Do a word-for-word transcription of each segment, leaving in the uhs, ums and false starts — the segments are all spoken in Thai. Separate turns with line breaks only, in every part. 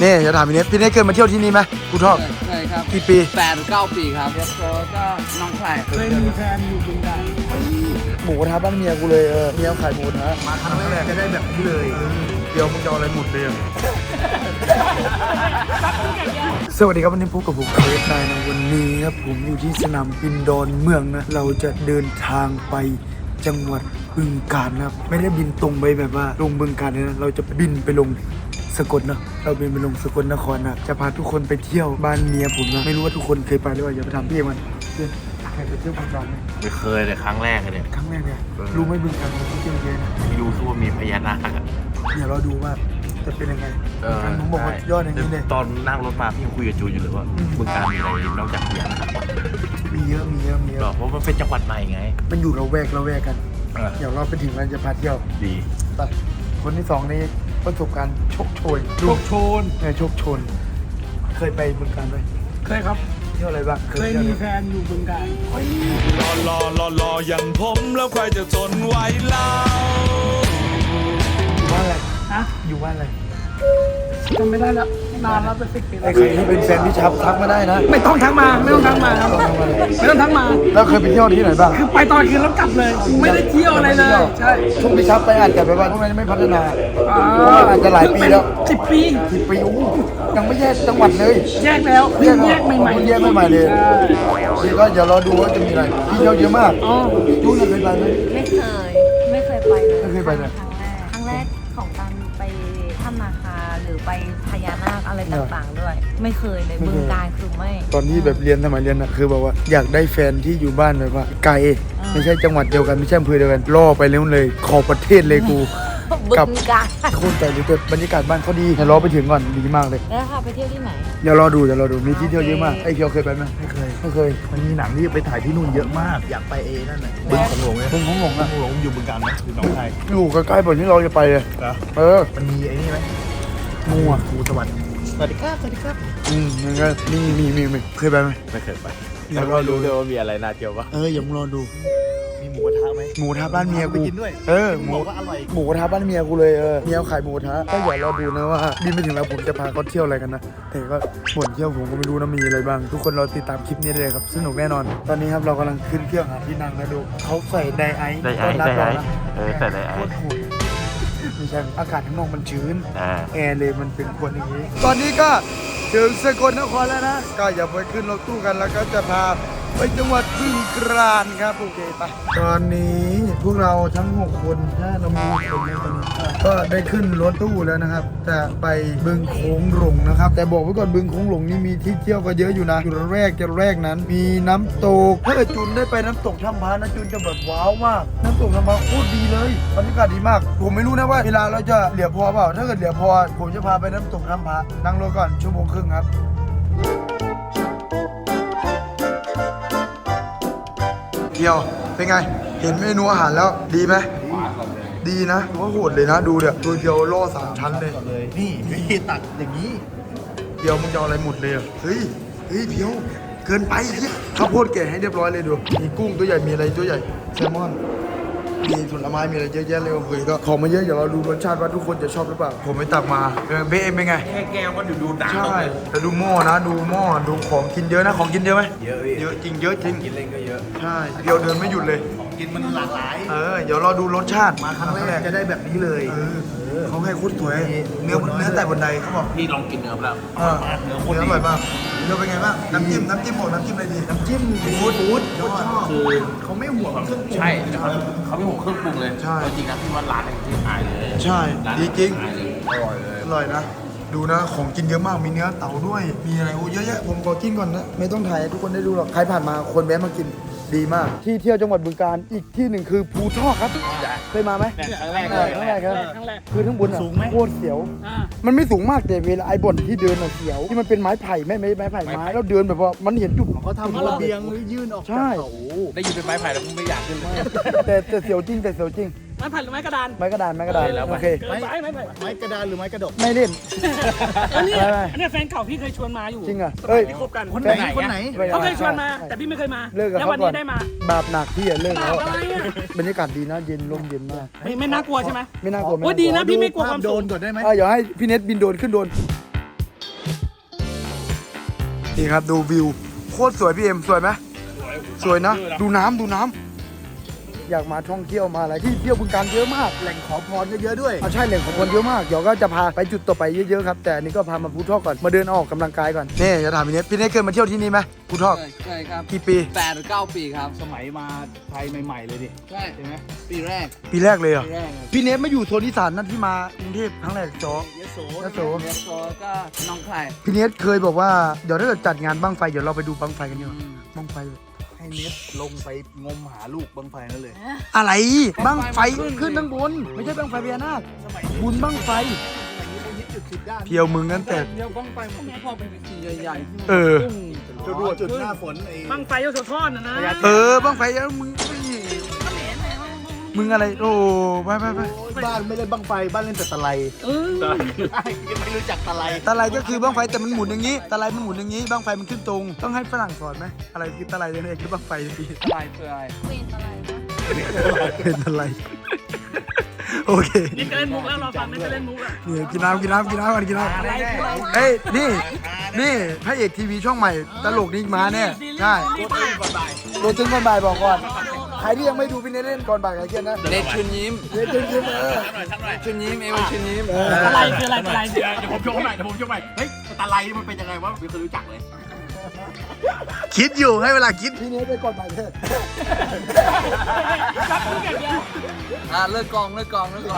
นี่จะถามพี่เนทพี่เนทเคยมาเที่ยวที่นี่ไหมภูทอก
เคยครับ
กี่ปี
แปดเก้าปีครับแล้วก็น้องชายเคยมีแฟนอยู่บึงกาฬ
หมูกระทะบ้านเมียกูเลยเออเมียขายหมูกระทะมาครั้งแรกจะได้แบบนี้เลยเดี๋ยวมึงจะเอาอะไรหมดเลยสวัสดีครับวันนี้พบกับผมเฟสได้นะวันนี้ครับผมอยู่ที่สนามบินดอนเมืองนะเราจะเดินทางไปจังหวัดบึงกาฬนะครับไม่ได้บินตรงไปแบบว่าลงบึงกาฬเลยนะเราจะบินไปลงสกลนะเราบินไปลงสกลนครนะจะพาทุกคนไปเที่ยวบ้านเมียผมนะไม่รู้ว่าทุกคนเคยไปหรือเปล่าอย่าไปทำพี่มันเพื่อนใครไปเที่ยวบึงกาฬไหม
ไม่เคยเลยครั้งแรกเลยเนี่ย
ครั้งแรกเนี่ยรู้ไหมบึงกาฬมันเที่ยวเยอะนะ
ไม่รู้คือว่ามีพญานาคอะ
เดี๋ยวเราดูว่าจะเป็นยังไงผมบอกว่ายอดอย่างนี้เลย
ตอนนั่งรถมาพี่คุยกับจูนอยู่เลยว่าบึงกาฬมีอะไรนอกจากพญานาค
มีเยอะมีเยอะมีเยอะ
เพราะมันเป็นจังหวัดใหม่ไง
มันอยู่เราแวกเราแวกกันเดี๋ยวเราไปถึงเราจะพาเที่ยว
ดี
ไปคนที่สองนี้ประสบการณ์โชคโชน
โชคโชน
เนี่ยโชคโชนเคยไปบึงกาฬไหม
เคยครับ
เที่ยวอะไรบ้าง
เคยมีแฟนอยู่บึงกาฬ
รอรอรอรออย่างผมแล้วใครจะทนไหวเล่า
อยู่บ้านอะไร
ฮะ
อยู่บ้านอะไร
จำไม่ได้แล้วนานแล้วเป็นสิบปีแล้ว
ไอ้ใครที่เป็นแฟนพี่ชับทักมาได้นะ
ไม่ต้องทักมาไม่ต้องทักมาครับไม่ต้องทักมา
แล้วเคยไปเที่ยวที่ไหนบ้าง
คือไปตอนคืนแล้วกลับเลยไม่ได้เที่ยวอะไรเลยใช่
ช่วงพี่ชับไปอาจจะแบบว่าพวกนั้นไม่พัฒนาอาจจะหลายปีแล้ว
สิบปี
สิบปีโอ้ยังไม่แยกจังหวัดเลย
แยกแล้วเพิ่งแยกใหม่
ๆแยกใหม่ๆเลยนี่ก็เดี๋ยวรอดูว่าจะมีอะไรที่เที่ยวเยอะมากจูนเคยไปไหม
ไม่เคยไม่เคยไปเลย
ไม่เคยไปเลย
ครั้งแรกครั้งแรกของการไปถ้ำนาคาหรือไปพญานาคอะไรต่างๆด้วยไม่เคยเลยบึงกาฬคือไม่
ตอนที่แบบเรียนสมัยเรียนนะคือแบบว่าอยากได้แฟนที่อยู่บ้านแบบว่าไกลไม่ใช่จังหวัดเดียวกันไม่ใช่อำเภอเดียวกันล่อไปเร็วเลยขอประเทศเลยกู
บึงกาฬ
โคตรใจเลยแต่บรรยากาศบ้านเขาดีแต่รอไปถึงก่อนดีมากเลย
แล้วค่ะไปเที่ยวที่ไหน
เดี๋ยวรอดูเดี๋ยวรอดูมีที่เที่ยวเยอะมากไอ้เคียวเคยไปไหม
ไม่เคย
ไม่เคย
มันมีหนังที่ไปถ่ายที่นู่นเยอะมากอยากไปเอนั่นแหละบึงของหลวงเนี่ย
บึงของหลวงอะ
บึงของหลวงอยู่บึงกาฬไหมหรือหนองคาย
อยู่ใกล้ๆบ่อนที่เราจะไปเลยเออ
มันมีไอ้นี่ไหม
งูอ่ะ
งูสวรรค์สวัสดีครับสวัสดีครับ
อืมมันก็มีมีมีมีเคยไปไหม
ไม่เคยไปแต่ก็รู้ด้วยว่ามีอะไรน่าเที่ยวปะ
เอออย่ามึงรอดู
มีหมูกระทะไหม
หมูกระทะบ้านเมียกู
กินด้วย
เออหมู
ก็อร่อย
หมูกระทะบ้านเมียกูเลยเออเมียขายหมูกระทะก็อย่ารอดูนะว่าบินไปถึงแล้วผมจะพาเขาเที่ยวอะไรกันนะแต่ก็บ่นเที่ยวผมก็ไม่รู้นะมีอะไรบ้างทุกคนเราติดตามคลิปนี้เลยครับสนุกแน่นอนตอนนี้ครับเรากำลังขึ้นเครื่องหาที่นั่งนะดูเขาใส่ไดไอซ์
ไดไอซ์ไดไอซ์เออใส่ไดไอซ์
ไม่ใช่อากาศข้างนอกมันชื้นแอร์เลยมันเป็นคนอย่างนี้ตอนนี้ก็ถึงสกลนครแล้วนะก็อย่าไปขึ้นรถตู้กันแล้วก็จะพาไปจังหวัดบึงกาฬครับโอเคไปตอนนี้พวกเราทั้งหกคนถ้าเรามีคนในตอนนี้ก็ได้ขึ้นรถตู้แล้วนะครับจะไปบึงโขงหลงนะครับแต่บอกไว้ก่อนบึงโขงหลงนี่มีที่เที่ยวก็เยอะอยู่นะจุดแรกจุดแรกนั้นมีน้ำตกถ้าเกิดจุนได้ไปน้ำตกถ้ำพานะจุนจะแบบว้าวมากน้ำตกถ้ำพาโคตรดีเลยบรรยากาศดีมากผมไม่รู้นะว่าเวลาเราจะเหลือพอเปล่าถ้าเกิดเหลือพอผมจะพาไปน้ำตกถ้ำพานั่งรถก่อนชั่วโมงครึ่งครับเดียวเป็นไงเห็นเมนูอาหารแล้วดีไหมดีนะว่าโหดเลยนะดูเดี๋ยวตัวเดียวล่อสามชั้นเลย
นี่พี่ตักอย่างนี้
เดียวมึงจะเอาอะไรหมดเลยเฮ้ยเฮ้ยเพียวเกินไปเฮียข้าวโพดแกะให้เรียบร้อยเลยดูมีกุ้งตัวใหญ่มีอะไรตัวใหญ่แซลมอนมีผลไม้มีอะไรเยอะแยะเลยเฮ้ยก็ของมาเยอะเดี๋ยวเราดูรสชาติว่าทุกคนจะชอบหรือเปล่าผมไม่ตักมาเบเอ็มเป็นไง
แค่แก้วก็ดูดูดัง
ใช่แต่ดูหม้อนะดูหม้อดูของกินเยอะนะของกินเยอะไหม
เยอะ
เยอะจริงเยอะจริง
กินเล่นก็เยอะ
ใช่เดียวเดินไม่หยุดเลย
ของกินมันหลากหลาย
เออเดี๋ยวเราดูรสชาติ
มาครั้งแรกจะได้แบบนี้เลย
เขาให้โคตรสวยเนื้อเนื้อแต่บนใดเขาบอก
พี่ลองกินเนื้อแล้ว
เนื้อโคตรอร่อยมากเนื้อเป็นไงบ้างน้ำจิ้มน้ำจิ้มบอกน้ำจิ้มอะไรดีน้ำจิ้มฟู้ดฟู้ดยอด
คือ
เขาไม่ห่วงเครื่องปรุง
ใช่เขาเขาไม่ห่วงเครื่องปรุงเลย
ใช่
จริงนะพี่ว่าร้านนึงที่ขายเลย
ใช่ดีจริง
อร่อยเลย
อร่อยนะดูนะของกินเยอะมากมีเนื้อเต่าด้วยมีอะไรโอ้เยอะแยะผมขอกินก่อนนะไม่ต้องถ่ายทุกคนได้ดูหรอกใครผ่านมาคนแวะมากินดีมากที่เที่ยวจังหวัดบึงกาฬอีกที่หนึ่งคือภูทอกครับเคยมาไหม
ครั้งแรก
ครั้งแรกครับคือทั้งบนสูงไหมโคตรเสียวมันไม่สูงมากแต่เวลาไอ้บ่อนที่เดินเสียวที่มันเป็นไม้ไผ่ไม่ไม่ไม้ไผ่ไม้แล้วเดินแบบว่ามันเห็นจุด
เขาทำระเบียงยื่นออก
ใช่
ได้ยินเป็นไม้ไผ่แล้วมึงไม่อยากขึ้นเลย
แต่แต่เสียวจริงแต่เสียวจริง
ไม้ไผ่หรือไม้กระดาน
ไม้กระดานไม้กระดานโอเค
ไม้ไม้ไผ่
ไม้กระดานหรือไม้กระดก
ไม่เล่น
อันนี้อันนี้แฟนเก่าพี่เคยชวนมาอยู่
จริงอ่ะ
เอ้ยคบกัน
คนไหนคนไหน
เขาเคยชวนมาแต่พี่ไม่เคยมาแล้ววันนี้ได้มา
บาปหนักพี่อ่ะเลิกแล้วบรรยากาศดีนะเย็นลมเย็นมาก
ไม่ไม่น่ากลัวใช่ไหม
ไม่น่ากลัว
โอ้ดีนะพี่ไม่กลัวความโดน
ก่อนได้ไหม
เดี๋ยวให้พี่เน็ตบินโดนขึ้นโดนนี่ครับดูวิวโคตรสวยพี่เอ็มสวยไหมสวยนะดูน้ำดูน้ำอยากมาท่องเที่ยวมาอะไรที่เที่ยวบึงการเยอะมากแหล่งขอพรก็เยอะด้วยเอาใช่แหล่งขอพรเยอะมากเดี๋ยวก็จะพาไปจุดต่อไปเยอะๆครับแต่อันนี้ก็พามาภูทอกก่อนมาเดินออกกำลังกายก่อนนี่จะถามพี่เนทพี่เนทเคยมาเที่ยวที่นี่ไหมภูทอก
เคยครับ
กี่ปี
แปดหรือเก้าปีครับ
สมัยมาไทยใหม่ๆเลยดิ
ใช่
ใช่ไหม
ปีแรก
ปีแรกเลยเหรอ
ปีแรกครับ
พี่เนทมาอยู่โซนอีสานนั่นที่มากรุงเทพครั้งแรกจอย
โส
ยโส
เนสโซก็น้องไข่
พี่เนทเคยบอกว่าเดี๋ยวถ้าเกิดจัดงานบั้งไฟเดี๋ยวเราไปดูบั้งไฟกันดีกว่าบั้งไฟ
ให้เน็ตลงไปงมหาลูกบังไฟนั่นเลย
อะไรบั้งไฟขึ้นข้างบนไม่ใช่บั้งไฟพญานาค
สมัยนี้
บุญบั้งไฟ
สมัยนี้เป็นฮิตจุดสิบด้าน
เพียวมึงนั่นแต่
เดี๋ยวบ้องไปมันพอเป็นสีใหญ่ๆที่มัน
เออ
พุ่ง
จุดรวดจุดหน้าฝนไอ้
บ้องไฟยศทอดนะนะ
เออบั้งไฟแล้วมึงมึงอะไรโอ้ไปไปไป
บ้านไม่เล่นบังไฟบ้านเล่นแต่ตะไล
เออ
ไม่รู้จักตะไล
ตะไลก็คือบั้งไฟแต่มันหมุนอย่างนี้ตะไลมันหมุนอย่างนี้บั้งไฟมันขึ้นตรงต้องให้ฝรั่งสอนไหมอะไรคือตะไลเนี่ยคือบั้งไฟพี่
ลายคืออะไร
เป็นอะไรนะ
เป็นตะไลโอเค
นี่จะเล่นมุกแล้วเราฟังไม่จะเล่นมุกอ่ะ
นี่กินน้ำกินน้ำกินน้ำกันกินน้ำ
อะไรคืออะไร
เฮ้ยนี่นี่พระเอกทีวีช่องใหม่ตลกนี่มาแน่ใช่ตัวตึงก่อนบ่ายบอกก่อนใครที่ยังไม่ดูพี่เนทเล่นก่อนบ่ายใครเกียนนะ
เนทชุนยิ้ม
เนทตึงยิ้มเออ
ชุนยิ้มเอวชุนยิ้ม
อะไรคืออะไรอะไรเดี๋ยวผมโชว์ใหม่เดี๋ยวผมโชว์ใหม่เฮ้ยตะไลมันเป็นยังไงวะไม่เคยรู้จักเลย
คิดอยู่ให้เวลาคิดพี่เนทไปก่อนบ่ายเถอะ
อ่ะเลิกกองเลิกกองเลิกกอง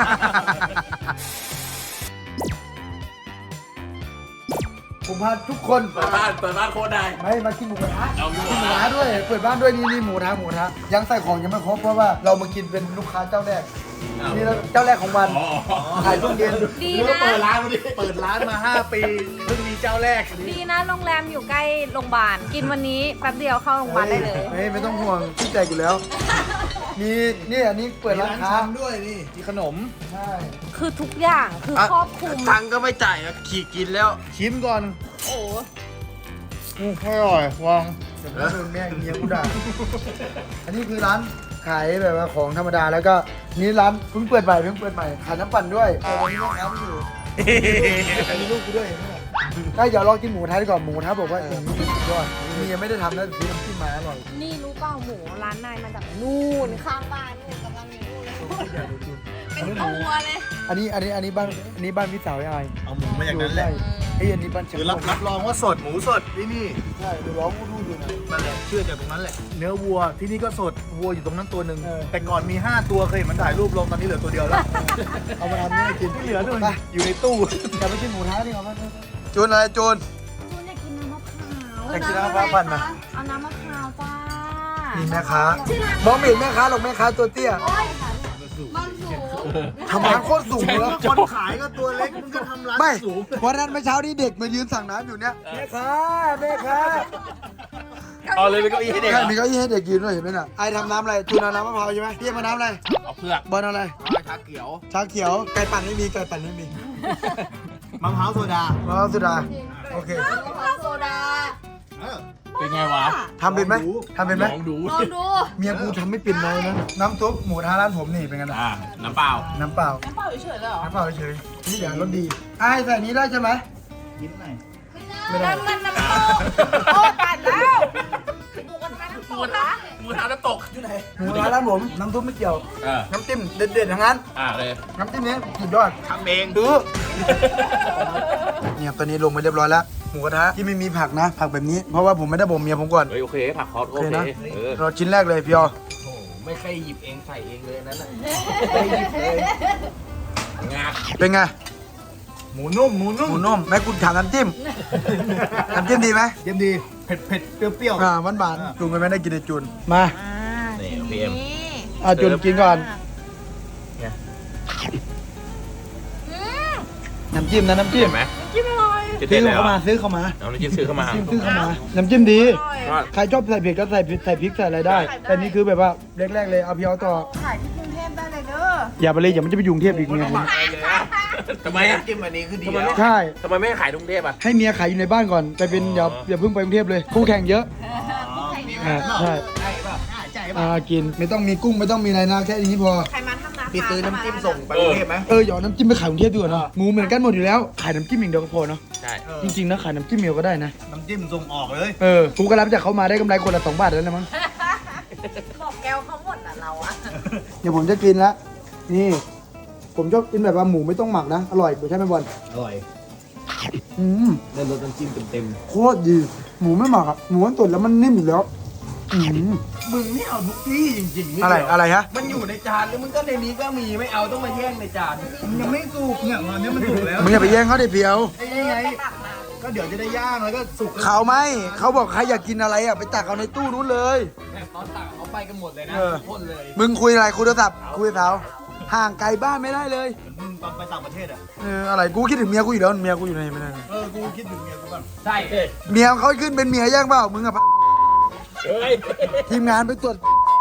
ผมพาทุกคน
เปิดบ้านเปิดบ้านโคตรได้
ไม่มากินหมูกระทะกินหมูกระทะด้วยเปิดบ้านด้วยนี่นี่หมูกระทะหมูกระทะยังใส่ของยังไม่ครบเพราะว่าเรามากินเป็นลูกค้าเจ้าแรกนี่แล้วเจ้าแรกของวันขายช่วงเย็น
ดี
เปิ
นะ
ดร้านมาดิเปิดร้านมาห้าปีเพิ่งมีเจ้าแรก
ดีนะโรงแรมอยู่ใกล้โรงพยาบาลกินวันนี้แป๊บเดียวเข้าโรงพยาบาลได้เลย
เฮ้ยไม่ต้องห่วงพี่ใจอยู่แล้วมีนี่อันนี้เปิดร้านค้า
ด้วยนี่มีขนม
ใช่
คือทุกอย่างคือครอบคลุม
ตังค์ก็ไม่จ่ายอ่ะขี่กินแล้ว
ชิมก่อน
โอ้
อืออร่อยวาง
เดี๋ยวโดนแม่เมียกูด่าอันนี้คือร้านขายแบบว่าของธรรมดาแล้วก็นี่ร้านเพิ่งเปิดใหม่เพิ่งเปิดใหม่ขายน้ำปั่นด้วยแต่วันนี้แม่ค้าไม่อยู่มีลูกกูด้วยเห็นไหมล่ะได้เดี๋ยวลองกินหมูกระทะดีกว่าหมูกระทะบอกว่าอย่างนี้สุดยอดเมียไม่ได้ทำแล้วซื้อน้ำจิ้มมาอร่อย
นี่รู้เปล่าหมูร้านนายมาจากนู่นข้างบ้านนู่นกำลังอยู่นู่นเลยเป็นตัวเลย
อันนี้อันนี้อันนี้บ้านอันนี้บ้านพี่สาวยาย
เอาหมูมาอย่างนั้นแหละ
ไอ้ยอันนี้บ้านเชียง
คือรับรับรองว่าสดหมูสดที่นี่
ใช่ดูร้องกูดูอยู่นะ
นั่นแหละเชื่อจากตรงนั้นแหละ เนื้อวัวที่นี่ก็สดวัวอยู่ตรงนั้นตัวหนึ่ง
เออ
แต่ก่อนมีห้าตัวเคยเห็นมันถ่ายรูปลงตอนนี้เหลือตัวเดียวแล้ว
เอามาทำนี่ให้กิน
ที่เหลือนู่น
ไป
อยู่ในตู้
กลับไปกินหมูท้าดีกว่าไหมจูนอะไรจูน
คุณอยากกินน้ำมะพร้าว
อยากกินน้ำมะพร้าวปั่นนะ
เอาน้ำมะพร้าวจ้า
นี่แม่ค้า
ชื่อร้าน
มองไม่เห็นแม่ค้าหรอกแม่ค้าตัวเตี้ย
โอ้ยบ้านสูง
ทำร้านโคตรสูงเลย
คนขายก็ตัวเล็กมึงก็ทำร้าน
ไม่
สูง
เพราะนั้นเมื่อเช้านี้เด็กมายืนสั่งน้ำอยู่เนี่ยแม่ค้าแม่ค้า
เอาเลยเป็นเก้าอี้ให้เด็ก
ใช่มีเก้าอี้ให้เด็กยืนด้วยเห็นไหมน่ะไอทำน้ำอะไรจูนเอาน้ำมะพร้าวใช่ไหมพี่มาน้ำอะไร
เอาเผือก
บอลเอาอะไร
ชาเขียว
ชาเขียวไก่ปั่นไม่มีไก่ปั่นไม่มี
มะพร้าวโซดาม
ะพร้าวสุดาโอเค
น้ำมะพร้าวโซดา
เออ
เป็นไงวะ
ทำเป็นไหมทำเป็นไหม
ลองดู
ลองดู
เมียกูทำไม่เป็นเลยนะน้ำซุปหมูท้าร้านผมนี่เป็นไงนะ
อ่า น้ำเปล่า
น้ำเปล่า
น้ำเปล่าเฉยๆเลยเหรอ
น้ำเปล่าเฉยๆนี่อย่างรสดีไอ้ใส่นี้ได้ใช่ไหม
ยิ้มหน่อย
ไม่ได้
น้ำมันน้ำตกโอ้ตัดแล้วหมูกระทะน้ำตกนะ
หมูทาน้ำตกอยู่ไหน
หมูท้าร้านผมน้ำซุปไม่เกี่ยว
อ่า
น้ำจิ้มเด็ดๆทั้งนั้น
อ่าเลย
น้ำจิ้มนี้สุดยอด
ทำเอง
ดูเนี่ยตอนนี้ลงไปเรียบร้อยแล้วหมูกระทะที่ไม่มีผักนะ ผักแบบนี้เพราะว่าผมไม่ได้บ่มเมียผมก่อน
เฮ้ยโอเค ผักคอส
โอ
โอ
เค
เค
นะ
เออ
เราชิ้นแรกเลยพี่ออ
ไม่เคยหยิบเองใส่เองเลยนั่นน่ะ
งา
เป็นไง
หมูนุ่มหมูนุ่ม
หมูนุ่มแม่กูถามน้ำจิ้มน้ำจิ้มดีไหม
เยี่ยมดีเผ็ดเผ็ดเปรี้ยวเปรี้ยว
อ่าหวานหวานๆจูนกันไม่ได้กินไอจูนมา
นี่พีเอ็ม
อ่าจูนกินก่อนน้ำจิ้มนะน้ำจิ้ม
เห็นไหม
จิ้มอร่อย
จะ
ซื้
เด็
อ
ดเลยเหร
เข้า
อ
มาซื้อเข้ามา
เอาน้ำจิ้มซื้อเข้ามา
จิ้มซื้อเข้ามา น้ำจิ้มดี
ก็
ใครชอบใส่เผ็ดก็ใส่พริกใส่พริกใส่อะไรได้ แต่นี่คือแบบว่าแรกๆเลยเอาพี่เอาต่อ
ขายที่กรุงเทพได้เลยเด้อ
อย่าไปเลยอย่ามันจะไปยุงเทพอีกเมียผม
ทำไมอ่ะ
จิ้มอันนี้คือดี
ทำไม
แล้ว
ไม่
ใช่
ทำไมไม่ขายกรุงเทพอ่ะ
ให้เมียขายอยู่ในบ้านก่อนไปเป็นอย่าอย่าเพิ่งไปกรุงเทพเลยคู่แข่งเยอะอ่าใช่
ใช่ป่ะใช่ป่ะ
อ่ากินไม่ต้องมีกุ้งไม่ต้องมีอะไรนะแค่นี้พอ
ใครมาทำนา
มีซื้อน้ำจิ้มส่งไปกรุงเทพไหม
เออหยอดน้ำจิ้มไปขายกรุงเทพดีกว่าเนาะหมูเหมือนกันหมดอยู่แล้วขายน้ำจิ้มอย่างเดียวก็พอเนาะ
ใช่
จริงๆนะขายน้ำจิ้มเดียวก็ได้นะ
น้ำจิ้มส่งออกเลย
เออกูก็รับจากเขามาได้กำไรคนละสองบาทแล้วนะมั้ง
บอกแก้วเขาหมดอ่ะเราอะ
เดี๋ยวผมจะกินละนี่ ผมชอบกินแบบว่าหมูไม่ต้องหมักนะอร่อยใช่ไหมบอล
อร่อย
อืม
ได้รสน้ำจิ้มเต็ม
โคตรดีหมูไม่หมักอ่ะหมูมันตุ๋นแล้วมันนิ่มอยู่แล้วอืม
ๆมึงนี่เอาทุกที่จริงๆนี่
อะไรอะไรฮะ
มันอยู่ในจานแล้วมึงก็ในนี้ก็มีไม่เอาต้องมาแย่งในจานมึงยังไม่สุกเนี่ยตอนนี้มันสุกแล้ว
มึงอย่าไปแย่งเขาเด็ดเพียว
ไอ้ยังไงก็เดี๋ยวจะได้ย่างแล้วก็สุก
เขาไม่เขาบอกใครอยากกินอะไรอ่ะไปตักเอาในตู้นู้นเลย
ตอนตักเขาไปกันหมดเลยนะ
เออ
พ่นเลย
มึงคุยอะไรคุยโทรศัพท์คุยกับเขาห่างไกลบ้านไม่ได้เลย
มึงตอนไปต่างประเทศอ่ะ
เอออะไรกูคิดถึงเมียกูอยู่แล้วเมียกูอยู่ไหนไม่ได้
เออกูคิดถึงเมียกูบ้าง
ใช่
เมียเขาขึ้นเป็นเมียแย่งเปล่ามึงอะปะ
เฮ้ย
ทีมงานไปตรวจ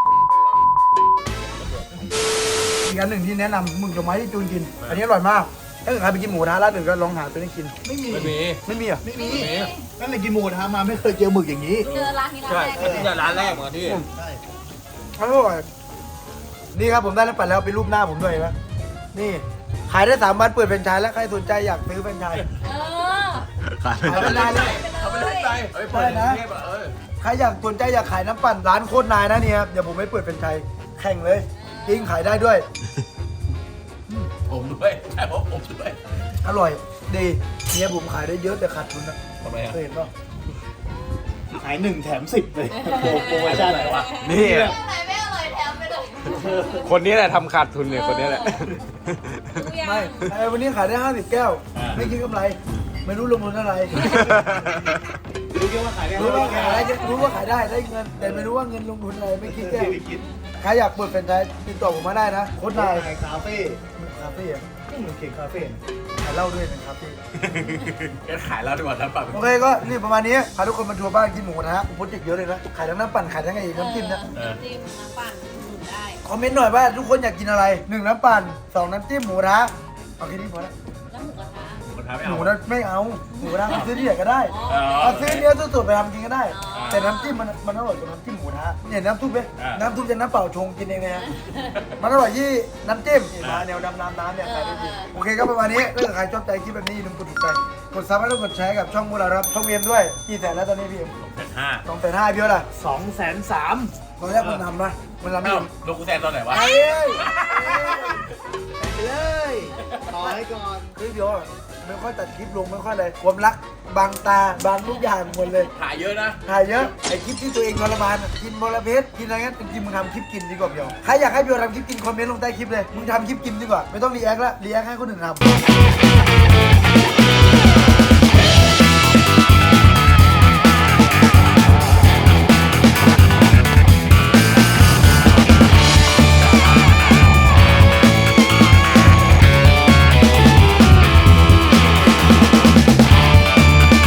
อีกอันหนึ่งที่แนะนำมึงจะไม้ที่จูนกิน อันนี้อร่อยมากถ้าเกิดใครไปกินหมูท้าร้านอื่นก็ลองหาตัวนี้กิน
ไม่มี
ไม่มี
ไม่มีอ่ะ
ไม่มีนั่นเลยกินหมูทามาไม่เคยเจอหมึกอย่างนี้
เจอร้านนี้ร้าน
ใช่
แรกเลย
นี่ร้านแรกเหมือนที่
ใช่
อร่อยนี่ครับผมได้แล้วปัดแล้วเป็นรูปหน้าผมด้วยนะนี่ขายได้สามวันเปิดเป็นไชายแล้วใครสนใจอยากซื้อเป็นไชาย
เออ
ขาย
ขายเป็นไชายเลย
เอาไปเลยไปเอาไปเปิดในกรุงเทพอะเออ
ใครอยากสนใจอยากขายน้ำปั่นร้านโคตรนายนะเนี่ยครับเดี๋ยวผมไม่เปิดเป็นไชายแข่งเลยจริงขายได้ด้วย
ผมด้วยใช่ผมผมด้วย
อร่อยดีเนี่ยผมขายได้เยอะแต่ขาดทุนนะ
ทำไมอะ
เคยเห็นป่ะ
ขายหนึ่งแถมสิบเลยโปรโมชั่นอะไรวะ
นี่
ไหนไม่อร่อยแถมไปเลย
คนนี้แหละทำขาดทุนเนี่ยคนนี้แหละ
ดูยัง
ไม่ไอ้วันนี้ขายได้ห้าสิบแก้ว ไม่คิดกำไร ไม่รู้ลงทุนอะไร
รู้แค่ว่าขายได้
รู้ว่า
แค่
ขายได้รู้ว่าขายได้ได้เงิน แต่ไม่รู้ว่าเงินลงทุนอะไรไม่คิดแก้ว
ไม่คิด
ใครอยากเปิดเป็นไชายติดต่อผมมาได้นะโค้ดนาย
ขายคาเฟ่
คาเฟ่อะ
ที่มึงเขียนคาเฟ่
ขายเหล้าด้วยนะครับพี่
งั้นขายแล้วดีกว่าน้ำปั่น
โอเคก็นี่ประมาณนี้พาทุกคนมาทัวร์บ้านกินหมูนะฮะโปรเจกต์เยอะเลยนะขายทั้งน้ำปั่นขายทั้งไอ้น้ำจิ้มนะ
จิ้มน้ำปั่นหมุนได้
คอมเมนต์หน่อยว่าทุกคนอยากกินอะไรหนึ่งน้ำปั่นสองน้ำจิ้มหมูนะเอาแค่นี้พอละ
แล้วหมูกระทะ
หมูกระทะไม่
ห
เอา
มูนะไม่เอาหมูนะเอาซื้อที่ไหนก็ได้
อ๋อ
เอาซื้อเนื้อสดๆไปทำกินก็ได้
อ๋อ
แต่น้ำจิ้มมันมันอร่อยกว่าน้ำจิ้มหมูนะเนี่ยน้ำซุปเนี่ยน้ำซุปจะน้ำเปล่าชงกินเองนะฮะมันอร่อยยี่น้ำจิ้มนี่มาแนวดำน้ำน้ำเนี่ยขายได้ดีโอเคก็ประมาณนี้ถ้าเกิดใครชอบใจคลิปแบบนี้อย่าลืมกดติดตามกดซับและกดแชร์กับช่องมูลาครับช่องเอ็มด้วยกี่แสนแล้วตอนนี้พี่เอ็ม
แปดห้า
สองแสนห้าพี่เอ็มล่ะ
สองแสนสาม
ตอนแรกมันทำนะมันทำไม่
เอ้า
ทำ
ลงกูแซนตอนไหนวะ
เอ้ย
ไปเลยต่อให้ก่อน
คือเดี๋ยวไม่ค่อยตัดคลิปลงไม่ค่อยเลยความรักบางตาบางทุกอย่างหมดเลย
ถ่ายเยอะนะ
ถ่ายเยอะไอคลิปที่ตัวเองทรมานอะกินมลเพชกินอะไรเงี้ยจริงๆมึงทำคลิปกินดีกว่าเดี๋ยวใครอยากให้เบียวทำคลิปกินคอมเมนต์ลงใต้คลิปเลยมึงทำคลิปกินดีกว่าไม่ต้องรีแอคละรีแอคให้คนอื่นทำ